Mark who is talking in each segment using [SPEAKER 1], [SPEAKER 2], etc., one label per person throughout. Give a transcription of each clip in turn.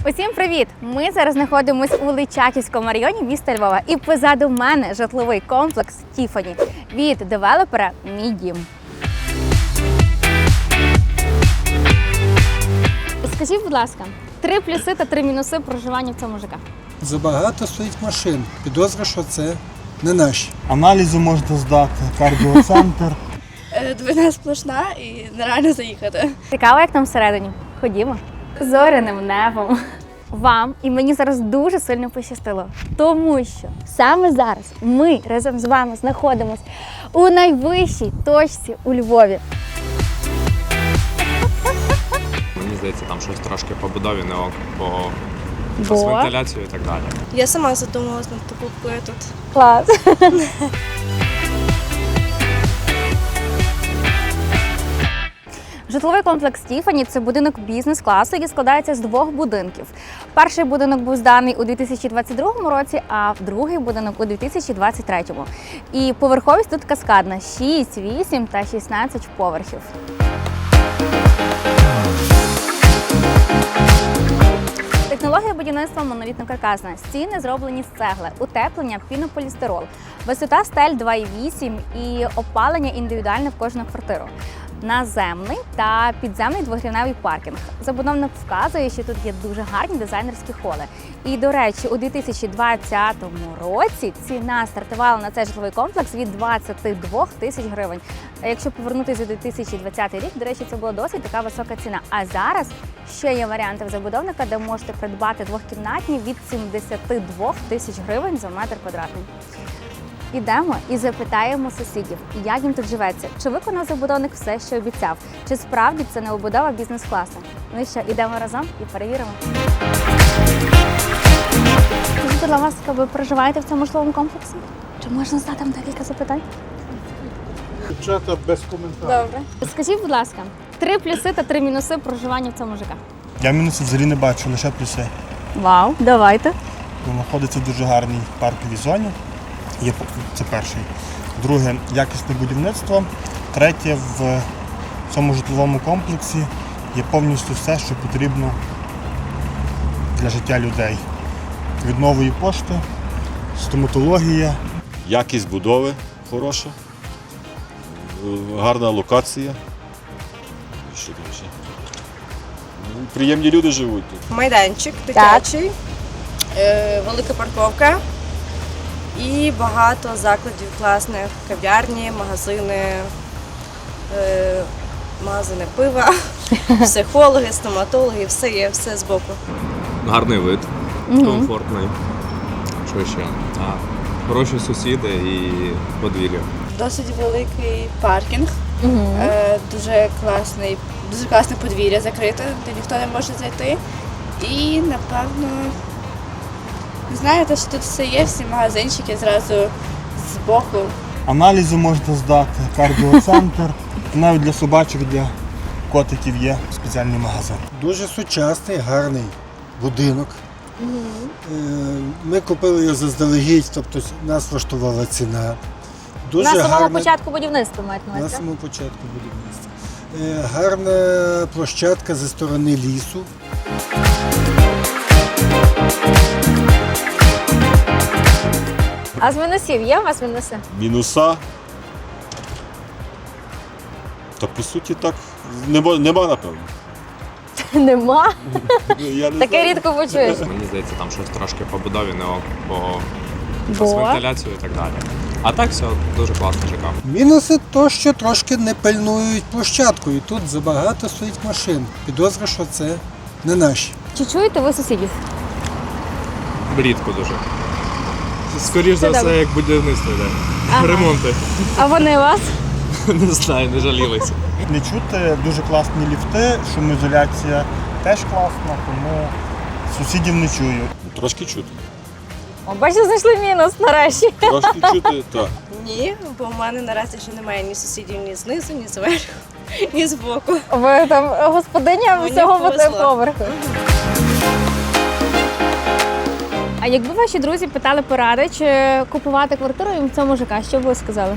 [SPEAKER 1] Усім привіт! Ми зараз знаходимося у Личаківському районі міста Львова. І позаду мене житловий комплекс Тіфані від девелопера «Мій дім». Скажіть, будь ласка, 3 плюси та 3 мінуси проживання в цьому ЖК.
[SPEAKER 2] Забагато стоїть машин. Підозра, що це не наші.
[SPEAKER 3] Аналізи можна здати, кардіоцентр.
[SPEAKER 4] Двойна сплошна і нереально заїхати.
[SPEAKER 1] Цікаво, як там всередині? Ходімо. Зоряним небом. Вам і мені зараз дуже сильно пощастило, тому що саме зараз ми разом з вами знаходимося у найвищій точці у Львові.
[SPEAKER 5] Мені здається, там щось трошки по будові не ок, бо з вентиляцією і так далі.
[SPEAKER 4] Я сама задумалась над покупкою тут.
[SPEAKER 1] Клас. Житловий комплекс Тіфані – це будинок бізнес-класу, який складається з 2 будинків. Перший будинок був зданий у 2022 році, а другий будинок у 2023. І поверховість тут каскадна – 6, 8 та 16 поверхів. Технологія будівництва монолітно-каркасна. Стіни зроблені з цегли, утеплення пінополістирол, висота стель 2,8 і опалення індивідуальне в кожну квартиру. Наземний та підземний двогрівневий паркінг. Забудовник вказує, що тут є дуже гарні дизайнерські холи. І, до речі, у 2020 році ціна стартувала на цей житловий комплекс від 22 тисяч гривень. А якщо повернутися у 2020 рік, до речі, це була досить така висока ціна. А зараз ще є варіанти в забудовника, де можете придбати двохкімнатні від 72 тисяч гривень за метр квадратний. Ідемо і запитаємо сусідів, як їм тут живеться, чи виконав забудовник все, що обіцяв, чи справді це не обудова бізнес-класу. Ну що, ідемо разом і перевіримо. Скажіть, будь ласка, ви проживаєте в цьому житловому комплексі? Чи можна задати вам декілька запитань?
[SPEAKER 3] Дівчата без коментарів.
[SPEAKER 1] Добре. Скажіть, будь ласка, 3 плюси та 3 мінуси проживання в цьому ЖК.
[SPEAKER 3] Я мінусів взагалі не бачу, лише плюси.
[SPEAKER 1] Вау, давайте.
[SPEAKER 3] Знаходиться в дуже гарній парковій зоні. Це перший. Друге – якісне будівництво. Третє – в цьому житловому комплексі є повністю все, що потрібно для життя людей. Від нової пошти, стоматологія.
[SPEAKER 6] Якість будови хороша, гарна локація. Що там ще? Приємні люди живуть тут.
[SPEAKER 4] Майданчик дитячий, велика парковка і багато закладів класних, кав'ярні, магазини, магазини пива, психологи, стоматологи, все є, все збоку.
[SPEAKER 5] Гарний вид, комфортний. Що ще? Хороші сусіди і подвір'я.
[SPEAKER 4] Досить великий паркінг, дуже класне подвір'я закрите, де ніхто не може зайти. І, напевно, знаєте, що тут все є, всі магазинчики зразу збоку.
[SPEAKER 3] Аналізи можна здати, кардіоцентр. Навіть для собачок, для котиків є спеціальний магазин.
[SPEAKER 2] Дуже сучасний, гарний будинок. Ми купили його заздалегідь, тобто нас влаштувала ціна. Дуже
[SPEAKER 1] На самого
[SPEAKER 2] гарна-
[SPEAKER 1] початку будівництва мають на
[SPEAKER 2] На
[SPEAKER 1] увазі.
[SPEAKER 2] самому початку будівництва. Гарна площадка зі сторони лісу.
[SPEAKER 1] А з мінусів є у вас мінуси?
[SPEAKER 6] Мінуса. Та по суті так нема напевно.
[SPEAKER 1] Нема.
[SPEAKER 6] Я не
[SPEAKER 1] Таке
[SPEAKER 6] знаю.
[SPEAKER 1] рідко почуєш.
[SPEAKER 5] Мені здається, там щось трошки по будові не ок, бо з
[SPEAKER 1] Бо?
[SPEAKER 5] вентиляцією і так далі. А так все дуже класно ЖК.
[SPEAKER 2] Мінуси то, що трошки не пильнують площадку, і тут забагато стоїть машин. Підозра, що це не наші.
[SPEAKER 1] Чи чуєте ви сусідів?
[SPEAKER 5] Рідко дуже. Скоріш за
[SPEAKER 1] Це
[SPEAKER 5] все,
[SPEAKER 1] добре.
[SPEAKER 5] як будівництво йде.
[SPEAKER 1] Ага.
[SPEAKER 5] Ремонти.
[SPEAKER 1] А вони вас?
[SPEAKER 5] Не знаю, не жалілися.
[SPEAKER 3] Не чути, дуже класні ліфти, шумоізоляція теж класна, тому сусідів не чую.
[SPEAKER 6] Трошки чути.
[SPEAKER 1] О, бачите, знайшли мінус нарешті.
[SPEAKER 6] Трошки чути, так.
[SPEAKER 4] Ні, бо в мене наразі ще немає ні сусідів ні знизу, ні зверху, ні збоку.
[SPEAKER 1] Ви там господиня
[SPEAKER 4] Мені
[SPEAKER 1] всього
[SPEAKER 4] повезло.
[SPEAKER 1] поверху. А якби ваші друзі питали поради, чи купувати квартиру їм в цьому ЖК, що б ви сказали?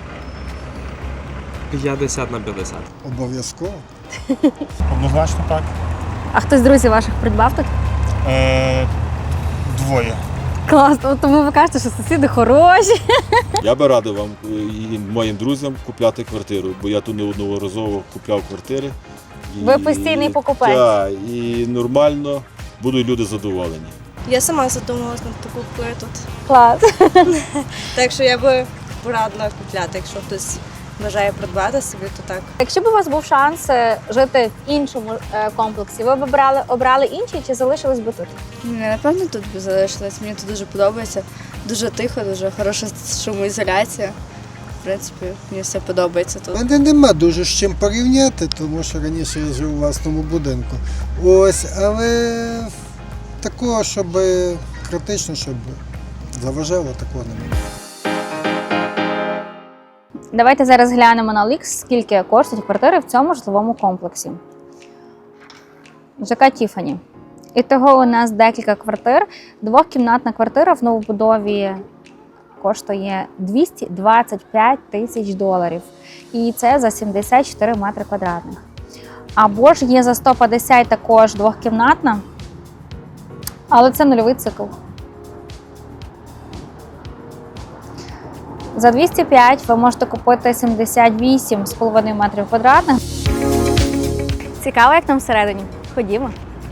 [SPEAKER 5] 50/50.
[SPEAKER 2] Обов'язково.
[SPEAKER 3] Однозначно так.
[SPEAKER 1] А хтось з друзів ваших придбав тут?
[SPEAKER 3] Двоє.
[SPEAKER 1] Класно, тому ви кажете, що сусіди хороші.
[SPEAKER 6] Я би радив вам і моїм друзям купляти квартиру, бо я тут неодноразово купляв квартири.
[SPEAKER 1] Ви постійний покупець.
[SPEAKER 6] Так, і нормально будуть люди задоволені.
[SPEAKER 7] Я сама задумалась над покупкою тут.
[SPEAKER 1] Клас.
[SPEAKER 7] Так що я би порадила купляти, якщо хтось бажає придбати собі, то так.
[SPEAKER 1] Якщо б у вас був шанс жити в іншому комплексі, ви б обрали інший чи залишились би тут?
[SPEAKER 4] Напевно, тут би залишилась. Мені тут дуже подобається. Дуже тихо, дуже хороша шумоізоляція. В принципі, мені все подобається
[SPEAKER 2] У
[SPEAKER 4] тут.
[SPEAKER 2] мене нема дуже з чим порівняти, тому що раніше я жив у власному будинку. Ось, але такого, щоб критично, щоб заважало, такого немає.
[SPEAKER 1] Давайте зараз глянемо на OLX, скільки коштують квартири в цьому житловому комплексі. ЖК Тіфані. Ітого у нас декілька квартир. Двохкімнатна квартира в новобудові коштує 225 тисяч доларів. І це за 74 метри квадратних. Або ж є за 150 також двохкімнатна, але це нульовий цикл. За 205 ви можете купити 78,5 метрів квадратних. Цікаво, як там всередині. Ходімо.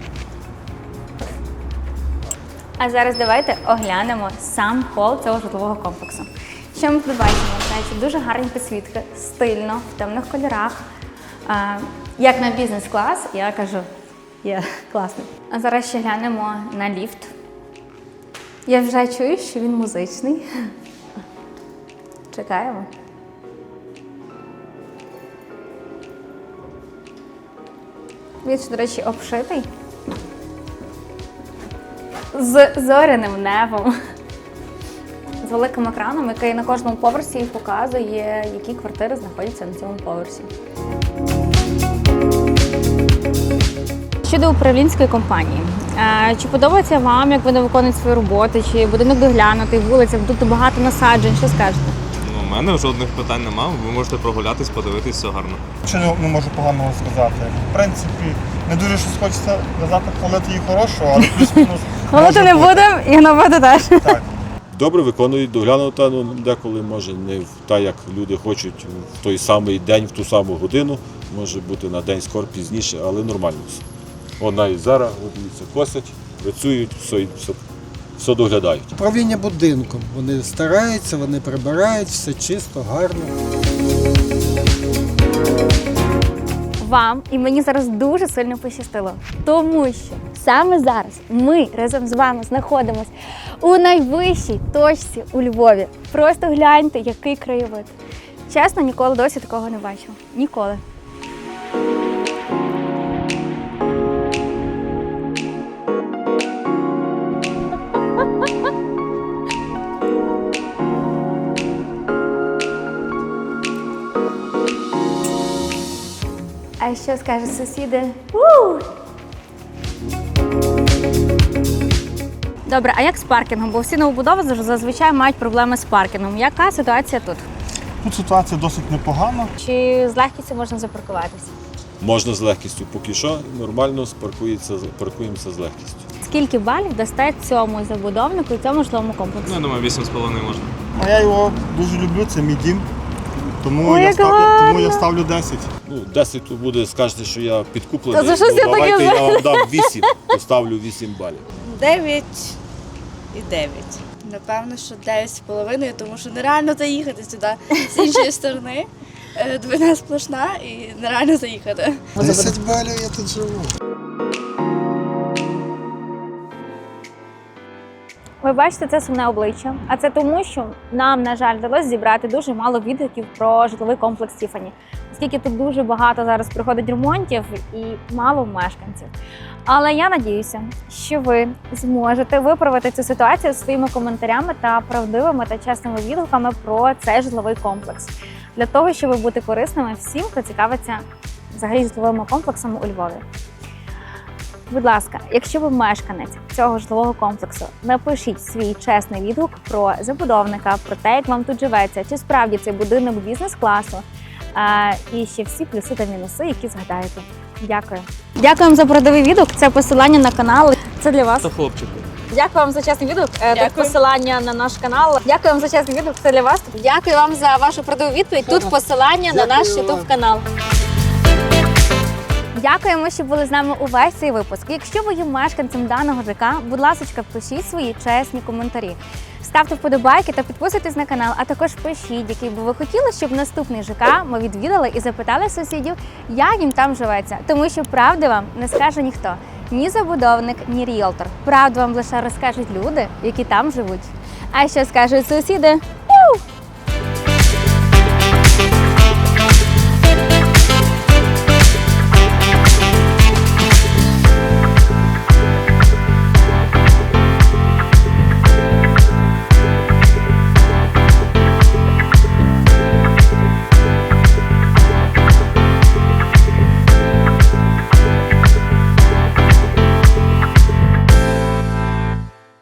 [SPEAKER 1] А зараз давайте оглянемо сам хол цього житлового комплексу. Що ми тут бачимо? Знаєте, дуже гарні підсвітки, стильно, в темних кольорах. Як на бізнес-клас, я кажу, є класний. А зараз ще глянемо на ліфт. Я вже чую, що він музичний. Чекаємо. Він, до речі, обшитий з зоряним небом. З великим екраном, який на кожному поверсі показує, які квартири знаходяться на цьому поверсі. Щодо управлінської компанії. Чи подобається вам, як вони виконують свою роботу, чи будинок доглянутий, вулиця, тут багато насаджень, що скажете?
[SPEAKER 5] Ну, у мене жодних питань немає. Ви можете прогулятись, подивитись, все гарно.
[SPEAKER 3] Що не можу поганого сказати. В принципі, не дуже щось хочеться казати, хвалити її хорошого, але плюс-мінус.
[SPEAKER 1] Хвалити не будемо і гнобити теж.
[SPEAKER 3] Так.
[SPEAKER 6] Добре виконують, доглянута, ну деколи може не так, як люди хочуть в той самий день, в ту саму годину. Може бути на день скоро пізніше, але нормально все. Вона і зараз, от дивіться, косять, працюють, все доглядають.
[SPEAKER 2] Управління будинком. Вони стараються, вони прибирають, все чисто, гарно.
[SPEAKER 1] Вам і мені зараз дуже сильно пощастило, тому що саме зараз ми разом з вами знаходимося у найвищій точці у Львові. Просто гляньте, який краєвид. Чесно, ніколи досі такого не бачила. Ніколи. А що скажуть сусіди? Добре, а як з паркінгом? Бо всі новобудови зазвичай мають проблеми з паркінгом. Яка ситуація тут?
[SPEAKER 3] Тут ситуація досить непогана.
[SPEAKER 1] Чи з легкістю можна запаркуватися?
[SPEAKER 6] Можна з легкістю, поки що нормально паркуємося з легкістю.
[SPEAKER 1] Скільки балів дасте цьому забудовнику і цьому житловому комплексу?
[SPEAKER 5] Ну, я думаю, 8,5 можна.
[SPEAKER 3] А я його дуже люблю, це мій дім. Тому,
[SPEAKER 1] Ой,
[SPEAKER 3] я
[SPEAKER 1] як
[SPEAKER 3] ставлю,
[SPEAKER 1] гарно!
[SPEAKER 3] тому я ставлю 10.
[SPEAKER 6] Ну, 10 тут буде, скажете, що я підкуплений.
[SPEAKER 1] Та за щось я таке
[SPEAKER 6] давайте
[SPEAKER 1] знаю.
[SPEAKER 6] я вам дам 8, поставлю 8 балів.
[SPEAKER 7] 9 і 9.
[SPEAKER 4] Напевно, що 9,5, тому що нереально заїхати сюди з іншої сторони. Двина сплошна і нереально заїхати.
[SPEAKER 2] 10 балів я тут живу.
[SPEAKER 1] Ви бачите це сумне обличчя, а це тому, що нам, на жаль, вдалося зібрати дуже мало відгуків про житловий комплекс Тіфані, оскільки тут дуже багато зараз приходить ремонтів і мало мешканців. Але я надіюся, що ви зможете виправити цю ситуацію своїми коментарями та правдивими та чесними відгуками про цей житловий комплекс, для того, щоб бути корисними всім, хто цікавиться взагалі житловими комплексами у Львові. Будь ласка, якщо ви мешканець цього житлового комплексу, напишіть свій чесний відгук про забудовника, про те, як вам тут живеться, чи справді цей будинок бізнес-класу, і ще всі плюси та мінуси, які згадаєте. Дякую. Дякуємо за продовий відгук. Це посилання на канал. Це для вас.
[SPEAKER 8] Та хлопчику.
[SPEAKER 1] Дякую вам за чесний відгук. Тут
[SPEAKER 4] Дякую.
[SPEAKER 1] посилання на наш канал. Дякую вам за чесний відгук. Це для вас. Дякую вам за вашу продову відповідь. Тут посилання на наш
[SPEAKER 2] Дякую вам.
[SPEAKER 1] YouTube канал. Дякуємо, що були з нами увесь цей випуск. Якщо ви є мешканцем даного ЖК, будь ласка, пишіть свої чесні коментарі. Ставте вподобайки та підписуйтесь на канал, а також пишіть, який би ви хотіли, щоб наступний ЖК ми відвідали і запитали сусідів, як їм там живеться. Тому що правди вам не скаже ніхто. Ні забудовник, ні ріелтор. Правду вам лише розкажуть люди, які там живуть. А що скажуть сусіди?